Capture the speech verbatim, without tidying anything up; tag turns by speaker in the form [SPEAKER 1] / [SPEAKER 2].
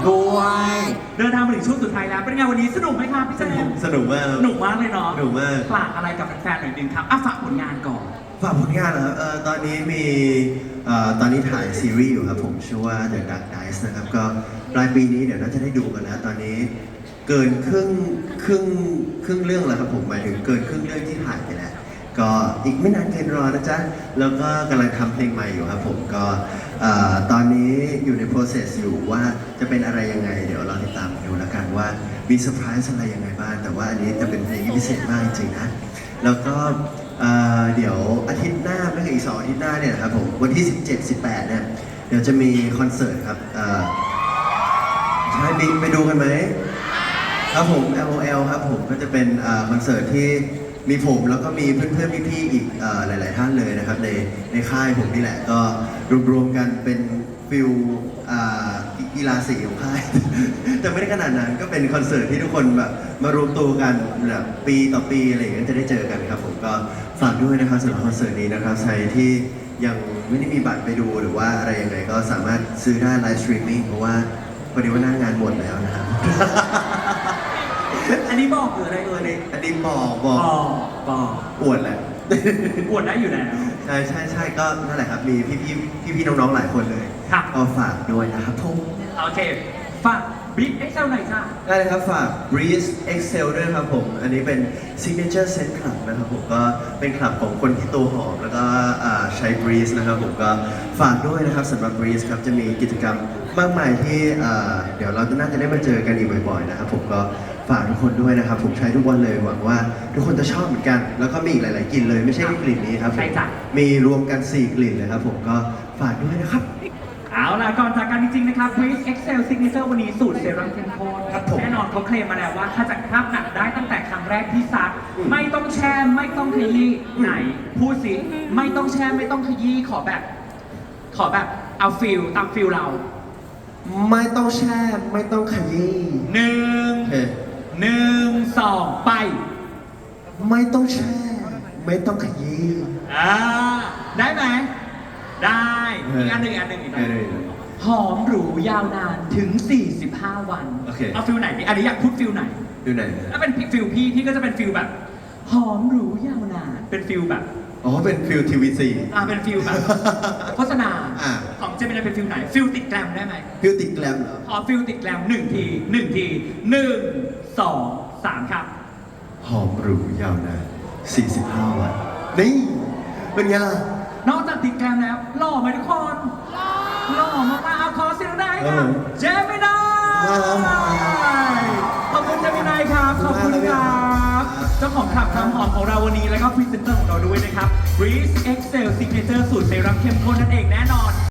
[SPEAKER 1] ด้วย
[SPEAKER 2] เดินทางมาถึงช่วงสุดท้ายแล้วเป็นไงวันนี้สนุกไหมครับพี่เจมส์
[SPEAKER 1] สนุกมาก
[SPEAKER 2] สนุกมากเลยเนาะ
[SPEAKER 1] สนุกมาก
[SPEAKER 2] ฝากอะไรกับแฟนๆหน่อยนึงครับอ่ะฝากผลงานก่อน
[SPEAKER 1] ฝากผลงานเหรอครับเอ่อตอนนี้มีเอ่อตอนนี้ถ่ายซีรีส์อยู่ครับผมชื่อว่า The Dark Dice นะครับก็ปลายปีนี้เดี๋ยวน่าจะได้ดูกันแล้วตอนนี้เกินครึ่งครึ่งครึ่งเรื่องแล้วครับผมหมายถึงเกินครึ่งเรื่องที่ถ่ายไปแล้วก็อีกไม่นานเกินรอนะจ๊ะแล้วก็กำลังทำเพลงใหม่อยู่ครับผมก็เอ่อตอนนี้อยู่ใน process อยู่ว่าจะเป็นอะไรยังไงเดี๋ยวเราติดตามดูแล้วกันว่ามีเซอร์ไพรส์อะไรยังไงบ้างแต่ว่าอันนี้จะเป็นเพลงที่พิเศษมากจริงๆนะแล้วก็เอ่อเดี๋ยวอาทิตย์หน้าไม่ใช่อีกสองอาทิตย์หน้าเนี่ยนะครับผมวันที่ สิบเจ็ด สิบแปด เนี่ยเดี๋ยวจะมีคอนเสิร์ตครับเอ่อใช่บิ๊กไปดูกันไหมครับผม แอล โอ แอล ครับผมก็จะเป็นเอ่อคอนเสิร์ตที่มีผมแล้วก็มีเพื่อนๆพี่ๆอีกเอ่อหลายๆท่านเลยนะครับในในค่ายผมนี่แหละก็รวมๆกันเป็นฟิลอ่ากีฬาสีของค่าย แต่ไม่ได้ขนาดนั้นก็เป็นคอนเสิร์ตที่ทุกคนแบบมารวมตัวกันแบบปีต่อปีอะไรอย่างเงี้ยจะได้เจอกันครับผมก็ฝากด้วยนะครับสำหรับคอนเสิร์ตนี้นะครับใครที่ยังไม่ได้มีบัตรไปดูหรือว่าอะไรยังไงก็สามารถซื้อได้ไลฟ์สตรีมมิ่งเพราะว่าพอดีว่าหน้างานหมดแล้วนะครับ
[SPEAKER 2] อันนี้บอกหรืออะไรเอ่
[SPEAKER 1] อัน
[SPEAKER 2] ย
[SPEAKER 1] นี้อันนี้บอกบอก
[SPEAKER 2] บอกบอก
[SPEAKER 1] อวดแหละ
[SPEAKER 2] อวดได้อยู่แล้ว
[SPEAKER 1] ใช่ใช่ใช่ก็นั่นแหละครับมีพี่พี่พี่พี่ๆน้องๆหลายคนเลย
[SPEAKER 2] ครับ
[SPEAKER 1] ก็ฝากด้วยนะครับผม
[SPEAKER 2] โอเคฝากบิ๊กเอ็กเซลหน่อยจ้า
[SPEAKER 1] ได้เลยครับฝาก Breeze Excel ด้วยครับผม อันนี้เป็น Signature Set Club นะครับผมก็เป็นคลับของคนที่ตัวหอมแล้วก็อ่าใช้ Breeze นะครับผมก็ฝากด้วยนะครับสำหรับ Breeze ครับจะมีกิจกรรมมากมายที่อ่าเดี๋ยวเราจะน่าจะได้มาเจอกันอีกบ่อยๆนะครับผมก็ฝากทุกคนด้วยนะครับผมใช้ทุกวันเลยหวังว่าทุกคนจะชอบเหมือนกัน แล้วก็มีอีกหลายๆกลิ่นเลยไม่ใช่แค่กลิ่นนี้ครับผม
[SPEAKER 2] ใช่จ้ะ
[SPEAKER 1] มีรวมกันสี่กลิ่นเลยครับผมก็ฝากด้วยนะครับ
[SPEAKER 2] เอาล่ะก่อนจากกันจริงๆนะครับ Breeze Excel Signature วันนี้สูตรเซรั่มเข้มข้น
[SPEAKER 1] ครับผม
[SPEAKER 2] แน่นอนเขาเคลมมาแล้วว่าขจัดคราบหนักได้ตั้งแต่ครั้งแรกที่ซัก
[SPEAKER 1] อืม
[SPEAKER 2] ไม่ต้องแช่ไม่ต้องขยี้
[SPEAKER 1] อืม
[SPEAKER 2] ไหน พูดสิไม่ต้องแช่ไม่ต้องขยี้ขอแบบ ขอแบบเอาฟิลตามฟิลเรา
[SPEAKER 1] ไม่ต้องแช่ไม่ต้องขยี้
[SPEAKER 2] หนึ่ง
[SPEAKER 1] เฮ้ย
[SPEAKER 2] หนึ่งสองไป
[SPEAKER 1] ไม่ต้องแช่ ไม่ต้องขยี้
[SPEAKER 2] อ่าได้ไหมได้
[SPEAKER 1] เอออี
[SPEAKER 2] อีกอันหนึ่งอีกอันหนึ่งอีกอันหนึ่ง
[SPEAKER 1] ได้เลย
[SPEAKER 2] หอมหรูยาวนานถึง สี่สิบห้า วัน
[SPEAKER 1] โอเค
[SPEAKER 2] เอาฟิลไหนดีอันนี้อยากพูดฟิลไหน
[SPEAKER 1] ดูไหน
[SPEAKER 2] ถ้าเป็นฟิลพี่พี่ก็จะเป็นฟิลแบบ หอมหรูยาวนานเป็นฟิลแบบ
[SPEAKER 1] อ๋อ เป็นฟิลทีวีซี
[SPEAKER 2] อ่าเป็นฟิลแบบ โฆษณา
[SPEAKER 1] อ่า
[SPEAKER 2] ของเจมินาเป็นฟิลไหนฟิลติดแกรมได้ไหม
[SPEAKER 1] ฟิลติดแกลมเหรอ
[SPEAKER 2] ขอฟิลติดแกรมหนึ่งทีหนึ่งทีหนึ่งสองสามครับ
[SPEAKER 1] หอมหรูยาวนานสี่สิบห้า วัน นี่ เป็นไงล่ะ
[SPEAKER 2] นอกจากติดแกรมแล้วหล่อไหมทุกคนหล่อมากๆเอาขอเสียงได้ค
[SPEAKER 1] เอ
[SPEAKER 2] รับ
[SPEAKER 1] อ
[SPEAKER 2] เจมินาย
[SPEAKER 1] ครับ
[SPEAKER 2] ขอบคุณเจมินายครับขอบคุณครับเจ้าของขับคำหอมของเราวันนี้แล้วก็พรีเซนเตอร์ของเราด้วยนะครับ Breeze Excel Signature สูตรเซรั่มเข้มข้นนั่นเองแน่นอน